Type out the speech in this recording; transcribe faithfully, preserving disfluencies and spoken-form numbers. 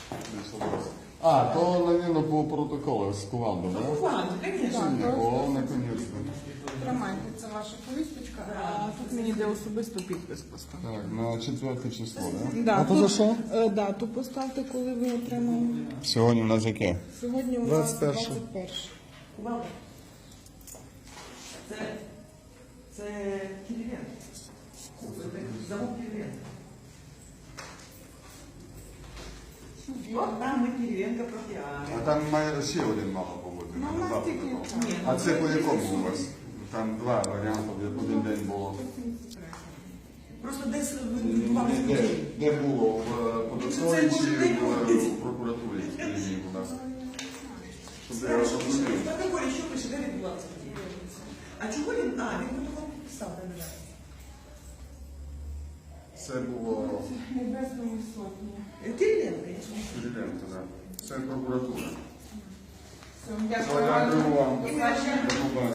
А, то, наверное, по протоколу з Кувалди, да? Ладно, конечно. О, наконец-то. Тримайте, це ваша повісточка, а тут мені де особисто підпис поставити. Так, на четверте число, да? Да, А то тут, за що? е, дату поставте, коли ви отримали. Сьогодні у нас яке? Сьогодні у нас двадцять перше. двадцять перше. Кувалда. Це, це Кириленко. Це замок Кириленко. От там ми Кириленко проти А Ари. там має ще один мало бути. Ну, у нас завтра тільки такого. Ні, А це по якому у вас? Там два варіанти, в один день було. Просто десь Ні, вам Де, де було? В податковій Це чи може не в, бути. в прокуратурі? Скажіть, будь ласка. Щоб я Хорошо, розумів. в протоколі що пише, де відбулася? А чого він? А, він протокол писав, так, так. Це було Небесної сотні. Кириленко, звісно. Кириленко, так. Це прокуратура. Все, дякую Дякую вам. вам. До побачення.